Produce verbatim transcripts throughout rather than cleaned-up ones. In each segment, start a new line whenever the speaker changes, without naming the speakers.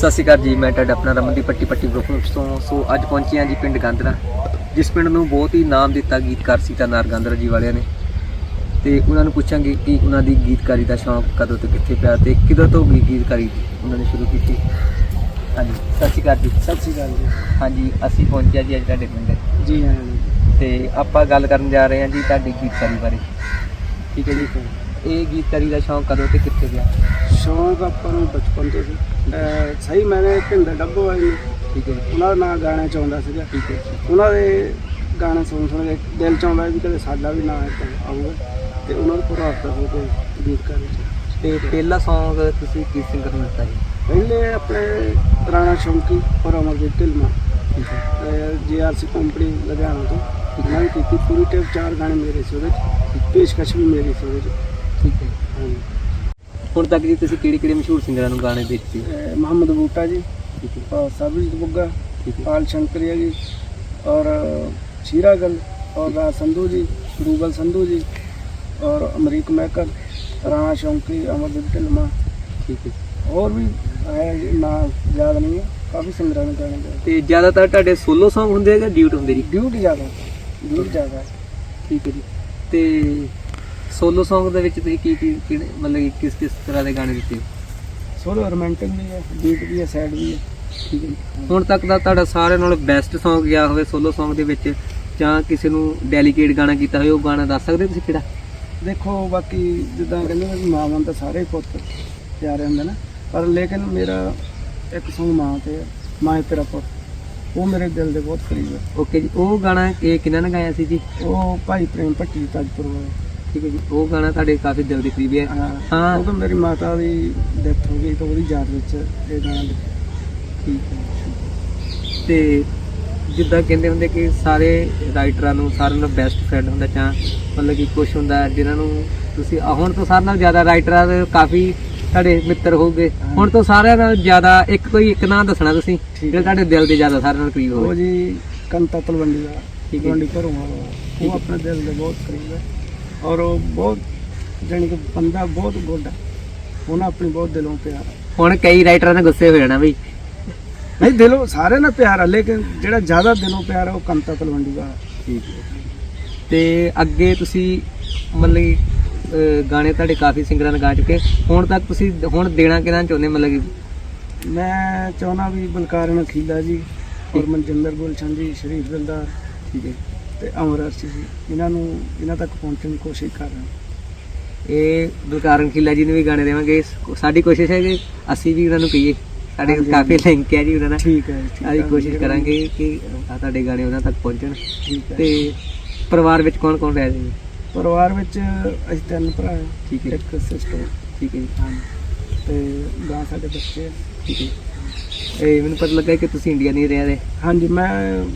ਸਤਿ ਸ਼੍ਰੀ ਅਕਾਲ ਜੀ। ਮੈਂ ਤੁਹਾਡਾ ਆਪਣਾ ਰਮਨਦੀਪ ਪੱਟੀ ਪੱਟੀ ਗਰੁੱਪ ਤੋਂ। ਸੋ ਅੱਜ ਪਹੁੰਚੇ ਹਾਂ ਜੀ ਪਿੰਡ ਗਾਂਦਰਾ, ਜਿਸ ਪਿੰਡ ਨੂੰ ਬਹੁਤ ਹੀ ਨਾਮ ਦਿੱਤਾ ਗੀਤਕਾਰ ਸੀਤਾ ਨਾਰ ਗਾਂਦਰਾ ਜੀ ਵਾਲਿਆਂ ਨੇ। ਤੇ ਉਹਨਾਂ ਨੂੰ ਪੁੱਛਾਂਗੇ ਕਿ ਉਹਨਾਂ ਦੀ ਗੀਤਕਾਰੀ ਦਾ ਸ਼ੌਂਕ ਕਦੋਂ ਤੋਂ ਕਿੱਥੇ ਪਿਆ ਤੇ ਕਿਦੋਂ ਤੋਂ ਗੀ- ਗੀਤਕਾਰੀ ਉਹਨਾਂ ਨੇ ਸ਼ੁਰੂ ਕੀਤੀ। ਹਾਂਜੀ, ਸਤਿ ਸ਼੍ਰੀ ਅਕਾਲ ਜੀ।
ਸਤਿ ਸ਼੍ਰੀ ਅਕਾਲ ਜੀ।
ਹਾਂਜੀ, ਅਸੀਂ ਪਹੁੰਚਿਆ ਜੀ ਅੱਜ ਤੁਹਾਡੇ ਪਿੰਡ
ਜੀ ਹਾਂ
ਤੇ ਆਪਾਂ ਗੱਲ ਕਰਨ ਜਾ ਰਹੇ ਹਾਂ ਜੀ ਤੁਹਾਡੀ ਗੀਤਕਾਰੀ ਬਾਰੇ। ਠੀਕ ਹੈ ਜੀ। ਇਹ ਗੀਤਕਾਰੀ ਦਾ ਸ਼ੌਂਕ ਕਦੋਂ ਤੇ ਕਿੱਥੇ ਪਿਆ?
ਸ਼ੌਂਕ ਆਪਾਂ ਨੂੰ ਬਚਪਨ ਤੋਂ ਸੀ। ਅਹ ਸਹੀ ਮੈਨੇ ਭਿੰਦਰ ਡੱਬੋ ਵਾਲੀ ਨੂੰ
ਠੀਕ ਹੈ ਜੀ।
ਉਹਨਾਂ ਦਾ ਨਾਂ ਗਾਣਾ ਚਾਹੁੰਦਾ ਸੀਗਾ।
ਠੀਕ ਹੈ ਜੀ।
ਉਹਨਾਂ ਦੇ ਗਾਣੇ ਸੁਣ ਸੁਣ ਕੇ ਦਿਲ ਚ ਆਉਂਦਾ ਵੀ ਕਦੇ ਸਾਡਾ ਵੀ ਨਾਂ ਇੱਦਾਂ ਆਊਗਾ, ਤੇ ਉਹਨਾਂ ਨੂੰ ਪ੍ਰਭਾਵਿਤ ਹੋ ਕੇ ਗੀਤਕਾਰੀ ਚ।
ਤੇ ਪਹਿਲਾ ਸੌਂਗ ਤੁਸੀਂ ਕਿਸ ਸਿੰਗਰ ਨੂੰ ਦਿੱਤਾ ਜੀ?
ਪਹਿਲੇ ਆਪਣੇ ਰਾਣਾ ਸ਼ੌਂਕੀ ਔਰ ਅਮਰਜੀਤ ਢਿਲਮਾ
ਠੀਕ ਹੈ।
ਜੀ ਆਰ ਸੀ ਕੰਪਨੀ ਲੁਧਿਆਣਾ ਤੋਂ ਉਹਨਾਂ ਨੇ ਕੀਤੀ ਪੂਰੀ ਟੇਪ। ਚਾਰ ਗਾਣੇ ਮੇਰੇ ਸੀ ਉਹਦੇ ਚ, ਪੇਸ਼ਕਸ਼ ਵੀ ਮੇਰੀ ਸੀ ਉਹਦੇ ਚ।
ਠੀਕ ਹੈ।
ਹਾਂਜੀ।
ਹੁਣ ਤੱਕ ਜੀ ਤੁਸੀਂ ਕਿਹੜੇ ਕਿਹੜੇ ਮਸ਼ਹੂਰ ਸਿੰਗਰਾਂ ਨੂੰ ਗਾਣੇ ਦਿੱਤੇ?
ਅਹ ਮੁਹੰਮਦ ਬੂਟਾ ਜੀ,
ਠੀਕ ਹੈ।
और सरबजीत बुग्गा,
ठीक है।
पाल शंकरिया जी, और शीरागल, और राज संधू जी, रूबल संधू जी, और अमरीक मैकर, राणा शौंकी, अमरजीत ढिल्मा,
ठीक है।
और भी है ना, याद नहीं है। काफ़ी सिंगरां ने गाने गाए।
ਤੇ ਜ਼ਿਆਦਾਤਰ ਤੁਹਾਡੇ ਸੋਲੋ ਸੌਂਗ ਹੁੰਦੇ ਆ ਜਾਂ ਡਿਊਟ ਹੁੰਦੇ ਜੀ?
ड्यूट ज़्यादा ड्यूट ज़्यादा है।
ਠੀਕ ਹੈ ਜੀ। ਤੇ ਸੋਲੋ ਸੌਂਗ ਦੇ ਵਿੱਚ ਤੁਸੀਂ ਕੀ ਕੀ ਕਿਹੜੇ ਮਤਲਬ ਕਿ ਕਿਸ ਕਿਸ ਤਰ੍ਹਾਂ ਦੇ ਗਾਣੇ ਦਿੱਤੇ?
सोलो रोमांटिक भी है, बीट भी है, सैड भी है।
ਠੀਕ ਹੈ ਜੀ। ਹੁਣ ਤੱਕ ਦਾ ਤੁਹਾਡਾ ਸਾਰਿਆਂ ਨਾਲੋਂ ਬੈਸਟ ਸੌਂਗ ਗਿਆ ਹੋਵੇ ਸੋਲੋ ਸੌਂਗ ਦੇ ਵਿੱਚ, ਜਾਂ ਕਿਸੇ ਨੂੰ ਡੈਲੀਕੇਟ ਗਾਣਾ ਕੀਤਾ ਹੋਵੇ, ਉਹ ਗਾਣਾ ਦੱਸ ਸਕਦੇ ਤੁਸੀਂ ਕਿਹੜਾ?
देखो बाकी जिदा कहते हैं मावां तो सारे पुत प्यारे होंगे ना, पर लेकिन मेरा एक सॉन्ग मां ते है, मां तेरा पुत, वो मेरे दिल के बहुत करीब है।
ਓਕੇ ਜੀ। ਉਹ ਗਾਣਾ ਇਹ ਕਿਹਨਾਂ ਨੇ ਗਾਇਆ ਸੀ ਜੀ?
वो भाई प्रेम भट्टी ताजपुर वाले।
ਠੀਕ ਹੈ ਜੀ। ਉਹ ਗਾਣਾ ਤੁਹਾਡੇ ਕਾਫੀ ਦਿਲ ਦੇ ਕਰੀਬ ਹੈ।
हाँ
हाँ।
वो तो मेरी माता की डेथ हो गई, तो वो याद विच ये गाना लिखा।
ਠੀਕ ਹੈ। ਤੇ ਜਿੱਦਾਂ ਕਹਿੰਦੇ ਹੁੰਦੇ ਕਿ ਸਾਰੇ ਰਾਈਟਰਾਂ ਨੂੰ ਸਾਰਿਆਂ ਨਾਲੋਂ ਬੈਸਟ ਫਰੈਂਡ ਹੁੰਦਾ, ਜਾਂ ਮਤਲਬ ਕਿ ਕੁਛ ਹੁੰਦਾ ਜਿਨ੍ਹਾਂ ਨੂੰ ਤੁਸੀਂ ਆਹ ਹੁਣ ਤੋਂ ਸਾਰਿਆਂ ਨਾਲੋਂ ਜ਼ਿਆਦਾ ਰਾਈਟਰਾਂ ਦੇ ਕਾਫੀ ਤੁਹਾਡੇ ਮਿੱਤਰ ਹੋਊਗੇ।
ਹਾਂ।
ਹੁਣ ਤੋਂ ਸਾਰਿਆਂ ਨਾਲੋਂ ਜ਼ਿਆਦਾ ਇੱਕ ਕੋਈ ਇੱਕ ਨਾਂ ਦੱਸਣਾ ਤੁਸੀਂ
ਠੀਕ
ਜਿਹੜਾ
ਹੈ।
ਤੁਹਾਡੇ ਦਿਲ ਦੇ ਜ਼ਿਆਦਾ ਸਾਰਿਆਂ ਨਾਲ ਕਰੀਬ
वो
ਹੋਵੇ।
जी कंता तलवंडी का,
ठीक है।
तलवंडी घरों वाला,
ठीक
वो
है।
अपने दिल के बहुत करीब है। और वो बहुत जानी कि बंदा बहुत गुड है, उन्हें अपनी बहुत दिलों प्यार है।
ਹੁਣ ਕਈ ਰਾਈਟਰਾਂ ਨੇ ਗੁੱਸੇ ਹੋ ਜਾਣਾ ਵੀ
नहीं दिलों सारे ना प्यार है, लेकिन जेड़ा ज्यादा दिलों प्यार है वो कंता तलवंडी का है।
ਠੀਕ ਹੈ। ਤੇ ਅੱਗੇ ਤੁਸੀਂ ਮਤਲਬ ਕਿ ਅਹ, ਗਾਣੇ ਤੁਹਾਡੇ ਕਾਫੀ ਸਿੰਗਰਾਂ ਨੇ ਗਾ ਚੁੱਕੇ। ਹੁਣ ਤੱਕ ਤੁਸੀਂ ਹੁਣ ਦੇਣਾ ਕਿਹਨਾਂ ਚਾਹੁੰਦੇ ਮਤਲਬ ਕਿ?
मैं चाहना भी बलकार नखीला जी, और मनजिंदर गुलशन जी, शरीफ दिलदार,
ਠੀਕ ਹੈ।
ਤੇ ਅਮਰ ਅਰਸ਼ੀ ਜੀ, ਇਹਨਾਂ ਨੂੰ ਇਹਨਾਂ ਤੱਕ ਪਹੁੰਚਣ ਦੀ ਕੋਸ਼ਿਸ਼ ਕਰ ਰਹੇ ਹਾਂ।
ਇਹ ਬਲਕਾਰਨ ਖਿੱਲਾ ਜੀ ਨੂੰ ਵੀ ਗਾਣੇ ਦੇਵਾਂਗੇ। ਸਾਡੀ ਕੋਸ਼ਿਸ਼ ਹੈ ਕਿ ਅਸੀਂ ਵੀ ਉਹਨਾਂ ਨੂੰ ਕਹੀਏ। ਸਾਡੇ
ਹਾਂਜੀ,
ਕਾਫੀ ਲਿੰਕ ਹੈ ਜੀ ਉਹਨਾਂ ਨਾਲ।
ਠੀਕ ਹੈ ਠੀਕ
ਅਸੀਂ
ਹੈ।
ਕੋਸ਼ਿਸ਼ ਕਰਾਂਗੇ ਕਿ ਆਹ ਤੁਹਾਡੇ ਗਾਣੇ ਉਹਨਾਂ ਤੱਕ ਪਹੁੰਚਣ।
ਠੀਕ ਹੈ।
ਤੇ ਪਰਿਵਾਰ ਵਿੱਚ ਕੌਣ ਕੌਣ ਰਹਿ ਜੀ?
ਪਰਿਵਾਰ ਵਿੱਚ ਅਸੀਂ ਤਿੰਨ ਭਰਾ ਹਾਂ,
ਠੀਕ ਹੈ।
ਇੱਕ ਸਿਸਟਰ,
ਠੀਕ ਹੈ ਜੀ।
ਹਾਂ, ਤੇ ਗਾਂ ਸਾਡੇ ਬੱਚੇ ਆ।
ਠੀਕ ਹੈ। ਇਹ ਮੈਨੂੰ ਪਤਾ ਲੱਗਾ ਕਿ ਤੁਸੀਂ ਇੰਡੀਆ ਨਹੀਂ ਰਹਿ ਰਹੇ।
ਹਾਂਜੀ, ਮੈਂ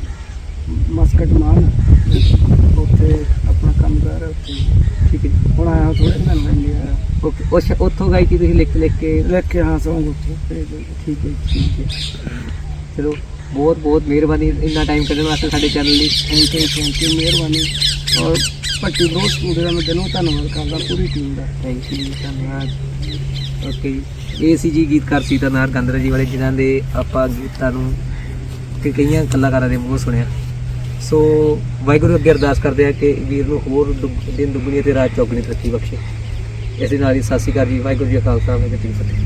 ਮਸਕਟ ਮਾਨ ਉੱਥੇ ਆਪਣਾ ਕੰਮ ਕਰ ਰਿਹਾ ਉੱਥੇ।
ਠੀਕ ਹੈ ਜੀ।
ਹੁਣ ਆਇਆ ਥੋੜੇ ਦਿਨ ਹੋ ਇੰਡੀਆ
ਓਕੇ। ਉਸ ਉੱਥੋਂ ਗਾਈ ਸੀ ਤੁਸੀਂ ਲਿਖ ਲਿਖ ਕੇ?
ਲੈ ਕੇ ਹਾਂ ਸੌਂਗ ਉੱਥੇ ਭੇਜ ਦਿਓ।
ਠੀਕ ਹੈ ਜੀ, ਠੀਕ ਹੈ। ਚਲੋ ਬਹੁਤ ਬਹੁਤ ਮਿਹਰਬਾਨੀ ਇੰਨਾ ਟਾਈਮ ਕੱਢਣ ਵਾਸਤੇ ਸਾਡੇ ਚੈਨਲ ਲਈ।
ਥੈਂਕ ਯੂ ਥੈਂਕ ਯੂ ਮਿਹਰਬਾਨੀ। ਔਰ ਭੱਟੀ ਬਰੋ ਸਟੂਡੀਓ ਦਾ ਮੈਂ ਦਿਲੋਂ ਧੰਨਵਾਦ ਕਰਦਾ ਪੂਰੀ ਟੀਮ ਦਾ।
ਥੈਂਕ ਯੂ ਜੀ, ਧੰਨਵਾਦ। ਓਕੇ ਜੀ। ਇਹ ਸੀ ਜੀ ਗੀਤਕਾਰ ਸੀਤਾ ਨਾਰ ਗਾਂਦਰਾ ਜੀ ਵਾਲੇ, ਜਿਨ੍ਹਾਂ ਦੇ ਆਪਾਂ ਗੀਤਾਂ ਨੂੰ ਕਿ ਕਈਆਂ ਕਲਾਕਾਰਾਂ ਦੇ ਮੂੰਹ ਸੁਣਿਆ। ਸੋ ਵਾਹਿਗੁਰੂ ਅੱਗੇ ਅਰਦਾਸ ਕਰਦੇ ਆ ਕਿ ਵੀਰ ਨੂੰ ਹੋਰ ਦੁੱਗ- ਦਿਨ ਦੁੱਗਣੀ ਤੇ ਰਾਤ ਚੌਗਣੀ ਤਰੱਕੀ ਬਖਸ਼ੇ। ਇਸ ਦੇ ਨਾਲ ਹੀ ਸਤਿ ਸ਼੍ਰੀ ਅਕਾਲ ਜੀ। ਵਾਹਿਗੁਰੂ ਜੀ ਕਾ ਖਾਲਸਾ ਵਾਹਿਗੁਰੂ ਜੀ ਕੀ ਫਤਿਹ।